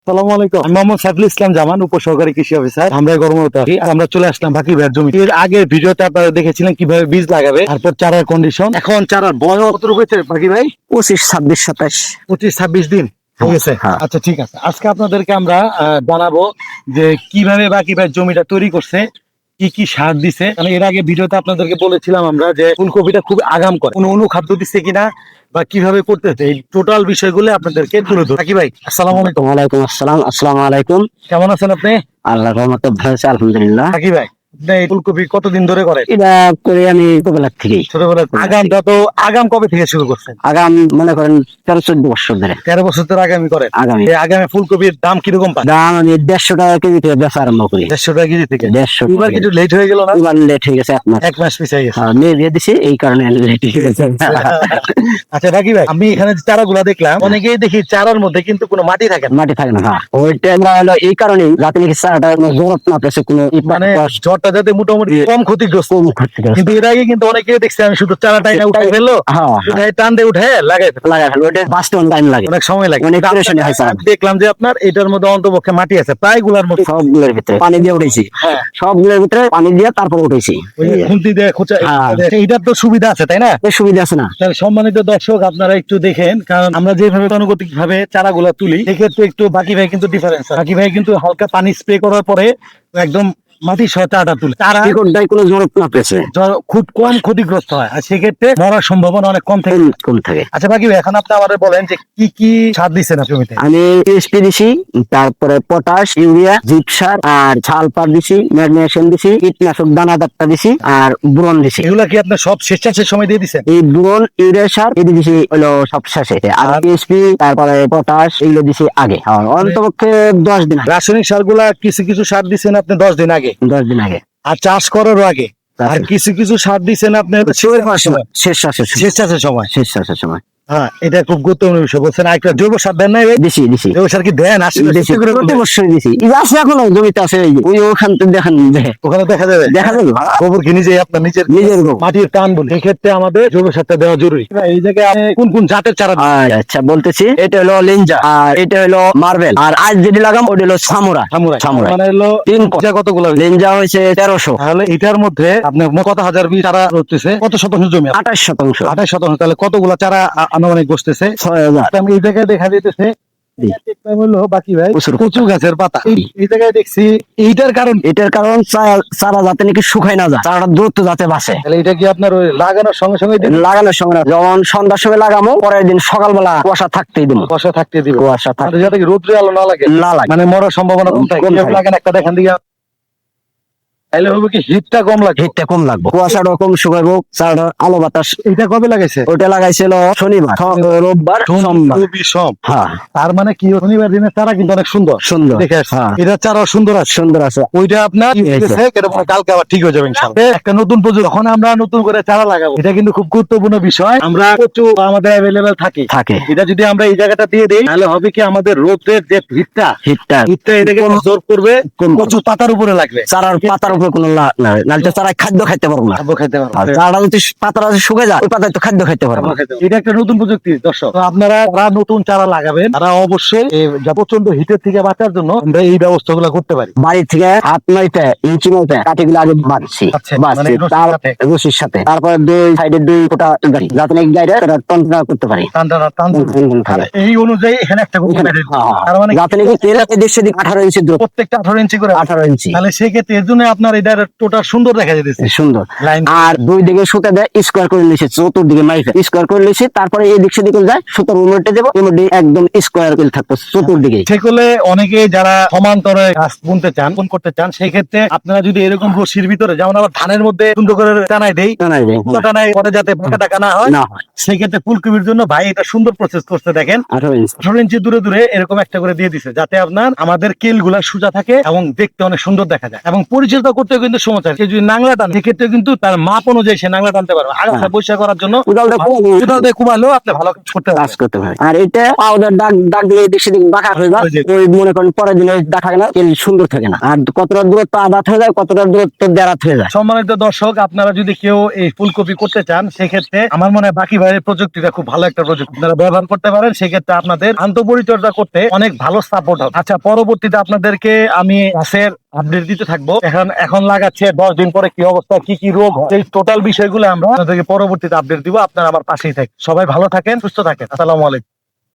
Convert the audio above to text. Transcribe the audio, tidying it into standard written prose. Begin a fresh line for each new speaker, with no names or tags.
আসসালামু আলাইকুম। আমি মোহাম্মদ সাইফুল ইসলাম জামান, উপসহকারী কৃষি অফিসার। আমরা গরমতে আছি। আমরা চলে আসলাম বাকি ভাইয়ের জমি। এর আগের ভিডিওতে আপনারা দেখেছিলেন কিভাবে বীজ লাগাবে, তারপর চারার কন্ডিশন। এখন চারার বয়স কত হয়েছে বাকি ভাই?
25, 26, 27।
25-26 দিন হয়ে গেছে।
হ্যাঁ।
আচ্ছা, ঠিক আছে। আজকে আপনাদেরকে আমরা জানাবো যে কিভাবে বাকি ভাই জমিটা তৈরি করছে, কি কি সার দিছে। কারণ এর আগে ভিডিওতে আপনাদেরকে বলেছিলাম আমরা যে ফুলকপিটা খুব আগাম করে, কোনো অনুখাদ্য দিচ্ছে কিনা বা কিভাবে করতেছে, এই টোটাল বিষয়গুলো আপনাদেরকে তুলে ধরবো। বাকি ভাই, আসসালামু আলাইকুম।
ওয়ালাইকুম আসসালাম। আসসালামু আলাইকুম।
কেমন আছেন আপনি?
আল্লাহর রহমতে ভালো আছে, আলহামদুলিল্লাহ।
বাকি ভাই, আপনি এই ফুলকপি কতদিন ধরে করেন?
এটা করে আমি ছোটবেলার থেকেই।
ছোটবেলা। আগামটা তো আগাম কবে থেকে শুরু করছেন?
আগাম মনে করেন 13-14 বছর ধরে
13 বছর ধরে আগামী করেন।
আগামী।
এই আগামী ফুলকপির দাম কিরকম পান?
দাম আমি 150 টাকা কেজি থেকে বেচা আরম্ভ করি।
150 টাকা কেজি থেকে।
150
এবার কিছু লেট হয়ে গেল না?
এবার লেট হয়ে গেছে, 1 মাস।
1 মাস পিছিয়ে গেছে।
মেয়ে বিয়ে দিছি, এই কারণে লেট হয়ে গেছে।
আচ্ছা বাকি ভাই, আমি এখানে যে চারাগুলা দেখলাম, অনেকেই দেখি চারার মধ্যে কিন্তু কোনো মাটি থাকে না।
মাটি থাকে না। হ্যাঁ, ওইটা আমরা হলো এই কারণেই যাতে নাকি চারাটা জোরত না পেছে, কোনো
মানে ঝড়টা যাতে মোটামুটি কম ক্ষতিগ্রস্ত।
কম ক্ষতিগ্রস্ত।
কিন্তু এর আগে কিন্তু অনেকেই দেখছি আমি শুধু চারাটাই না উঠাই ফেললো,
হ্যাঁ,
উঠাই টান দিয়ে উঠে লাগাই ফেললো।
লাগাই ফেলো, ওইটা বাঁচতে টাইম লাগে,
অনেক সময় লাগে।
অনেক পেরেশানি হয় চারা।
আমি দেখলাম যে আপনার এটার মধ্যে অন্তপক্ষে মাটি আছে প্রায় গুলার মতো।
সবগুলোর ভিতরে পানি দিয়ে উঠেছি।
হ্যাঁ,
সবগুলোর ভিতরে পানি দিয়ে তারপর উঠেছি।
ওই যে খুন্তি দিয়ে খোঁচা,
হ্যাঁ।
এইটার তো সুবিধা আছে তাই না?
এর সুবিধা আছে না?
তাহলে সম্মানিত দর্শক, আপনারা একটু দেখেন, কারণ আমরা যেভাবে গতানুগতিক ভাবে চারাগুলা তুলি, সেক্ষেত্রে একটু বাকি ভাই কিন্তু ডিফারেন্স। বাকি ভাই কিন্তু হালকা পানি স্প্রে করার পরে একদম মাটি সহ চারাটা তুলে। চারা
শিকড়টাই কোনো জড়প না পেছে,
খুব কম ক্ষতিগ্রস্ত হয়, আর সেক্ষেত্রে মরার সম্ভাবনা অনেক কম থাকে।
কম থাকে।
আচ্ছা বাকি ভাই, এখন আপনি আমাদের বলেন যে কি কি সার দিচ্ছেন জমিতে?
আমি টিএসপি দিছি, তারপরে পটাশ, ইউরিয়া, জিপসার আর সালফার দিছি, ম্যাগনেসিয়াম দিছি, কীটনাশক দানাদারটা দিছি আর বোরন দিছি।
এগুলা কি আপনি সব শেষ চাষের সময় দিয়ে দিচ্ছেন?
এই বোরন, ইউরিয়া সার এটি দিছি হলো সব শেষে, আর টিএসপি তারপরে পটাশ এগুলো দিছি আগে। আর অন্তপক্ষে 10 দিন আগে।
রাসায়নিক সারগুলা কিছু কিছু সার দিচ্ছেন আপনি 10 দিন আগে,
10 দিন আগে।
আর চাষ করারও আগে। আর কিছু কিছু সার দিচ্ছেন আপনি
শেষ চাষের সময়।
শেষ চাষের সময়।
শেষ চাষের সময়।
হ্যাঁ, এটা খুব গুরুত্বপূর্ণ বিষয় বলছেন। আর একটা জৈব সার দেন নাই ভাই?
দিছি দিছি
জৈব সার কি দেন? আসলে
দিছি,
সত্যি করে
প্রতি
বলবেন।
বছরই দিছি। এই যে আছে এখনো জমিতে আছে, এই যে ওই ওখান থেকে দেখেন,
ওখানে দেখা যাবে,
দেখা যাবে
গোবর কি নিজে আপনার নিজের
গোবর।
মাটির টান বলে, এক্ষেত্রে আমাদের জৈব সারটা দেওয়া জরুরি। এই জায়গায় আপনি কোন কোন জাতের চারা দিচ্ছেন?
আচ্ছা বলতেছি, এটা হলো লিঞ্জা, আর এটা হলো মার্বেল, আর আজ যেটি লাগাম ওটা হলো সামুরা। সামুরা
মানে হলো
3
কতগুলো?
লিঞ্জা হয়েছে 1300।
তাহলে এটার মধ্যে আপনার কত হাজার বীজ চারা রয়েছে? কত শতাংশ জমি?
28%।
28%। তাহলে কতগুলো চারা আনুমানিক বসতেছে?
6000।
আমি এই জায়গায় দেখা যেতেছে হলো বাকি ভাই কচু গাছের পাতা। এই জায়গায় দেখছি, এইটার কারণ
এটার কারণ চারা যাতে নাকি শুকায় না যায়, চারাটা দ্রুত যাতে বাঁচে।
তাহলে এটা কি আপনার ওই লাগানোর সঙ্গে সঙ্গে
লাগানোর সময় না, যখন সন্ধ্যার সময় লাগামো, পরের দিন সকালবেলা কুয়াশা থাকতেই দিব।
বসা থাকতে দিবে,
কুয়াশা থাকতে
যাতে কি রোদ্রে আলো না লাগে,
না লাগে,
মানে মরার সম্ভাবনা কম থাকে।
কম
কিভাবে
থাকে।
লাগান একটা দেখান দিকে, তাহলে হবে কি হিটটা কম লাগে।
হিটটা কম লাগবে, কুয়াশাটা কম শুকাইবো, চারাটা আলো বাতাস।
এটা কবে লাগাইছে?
ওটা লাগাইছিল শনিবার, রোববার, সোমবার।
খুবই সব।
হ্যাঁ,
তার মানে কি, শনিবার দিনের চারা কিন্তু অনেক সুন্দর
সুন্দর।
দেখে আসছে।
হ্যাঁ,
এটা চারা সুন্দর আছে,
সুন্দর আছে।
ওইটা আপনার
এই তো।
কালকে আবার ঠিক হয়ে যাবে ইনশাআল্লাহ। একটা নতুন প্রযুক্তি, যখন আমরা নতুন করে চারা লাগাবো, এটা কিন্তু খুব গুরুত্বপূর্ণ বিষয়। আমরা প্রচুর আমাদের অ্যাভেলেবেল থাকে, এটা যদি আমরা এই জায়গাটা দিয়ে দিই, তাহলে হবে কি, আমাদের রোদের যে হিটটা এটাকে জোর করবে, প্রচুর পাতার উপরে লাগবে।
চারার পাতার উপরে কোনো নাহলে চারা খাদ্য খাইতে পারবো না।
খাইতে পারবো।
আর চারাটা যদি পাতাটা যদি শুকে যায়, ওই পাতায় তো খাদ্য খাইতে পারবো না।
এটা একটা নতুন প্রযুক্তি দর্শক। তো আপনারা যারা নতুন চারা লাগাবেন, তারা অবশ্যই এই যা প্রচন্ড হিটের থেকে বাঁচার জন্য আমরা এই ব্যবস্থাগুলো করতে পারি।
বাড়ি থেকে 8-9 ইঞ্চি মতো কাঠিগুলো আগে বাঁধছি,
মানে
তার রশির সাথে, তারপরে 2 সাইডে 2 ফোঁটা গাড়ি, যাতে নাকি গাড়িটা টনটনা করতে পারি।
এই অনুযায়ী এখানে একটা তার মানে
যাতে নাকি এদিক সেদিক 18 ইঞ্চি দূর,
প্রত্যেকটা 18 ইঞ্চি করে।
18 ইঞ্চি।
তাহলে সেক্ষেত্রে এর জন্য আপনার এটা টোটাল সুন্দর দেখা যেতেছে,
সুন্দর।
লাইন।
আর 2 দিকে সুতা দেয়, স্কোয়ার করে নিয়েছে, চতুর্দিকে মাইফে স্কোয়ার করে নিয়েছে, তারপরে এই দিক সেদিকে যায়, সুতার উল্টে দেবো, উল্টে একদম স্কোয়ার করে থাকবো চতুর্দিকে।
সেগুলো অনেকে যারা সমান্তরে গাছ বুনতে চান, বুন করতে চান, সেই ক্ষেত্রে আপনারা যদি এরকম রশির ভিতরে, যেমন আবার ধানের মধ্যে সুন্দর করে টানাই দেই, টানাই পরে যাতে বাঁকা টাকা না হয়, সেই ক্ষেত্রে ফুলকপির জন্য ভাই এটা সুন্দর প্রসেস করতে দেখেন। 18 ইঞ্চি দূরে দূরে এরকম একটা করে দিয়ে দিছে, যাতে আপনার আমাদের কেল গুলা সোজা থাকে এবং দেখতে অনেক সুন্দর দেখা যায়, এবং পরিচর্যা করতে কিন্তু সময় চায়। কেউ যদি নাংলা টান সেক্ষেত্রে কিন্তু তার মাপ অনুযায়ী সে নাংলা টানতে পারবে। আগাছা পরিষ্কার করার জন্য
কোদাল দিয়ে
কোদাল দিয়ে কুবালেও আপনি ভালো কাজ করতে
কাজ
পারবেন।
করতে পারে। আর এটা পাউডার দাগ দিলে এদিক সেদিক বাঁকা হয়ে যায়,
হয়ে যায়।
ওই মনে করেন পরের দিনে দেখা না তেল সুন্দর থাকে না। আর কতটা দূরত্ব আদাত হয়ে যায়, কতটা দূরত্ব দেরাত হয়ে যায়।
সম্মানিত দর্শক, আপনারা যদি কেউ এই ফুলকপি করতে চান সেক্ষেত্রে আমার মনে হয় বাকি ভাইয়ের প্রযুক্তিটা খুব ভালো একটা প্রযুক্তি, আপনারা ব্যবহার করতে পারেন। সেক্ষেত্রে আপনাদের আন্তঃপরিচর্যা করতে অনেক ভালো সাপোর্ট হবে। আচ্ছা, পরবর্তীতে আপনাদেরকে আমি গাছের আপডেট দিতে থাকবো। এখন লাগাচ্ছে 10 দিন পরে কি অবস্থা, কি কি রোগ হয়, এই টোটাল বিষয়গুলো আমরা আপনাদেরকে পরবর্তীতে আপডেট দিব। আপনারা আমার পাশেই থাকেন। সবাই ভালো থাকেন, সুস্থ থাকেন। আসসালামু আলাইকুম।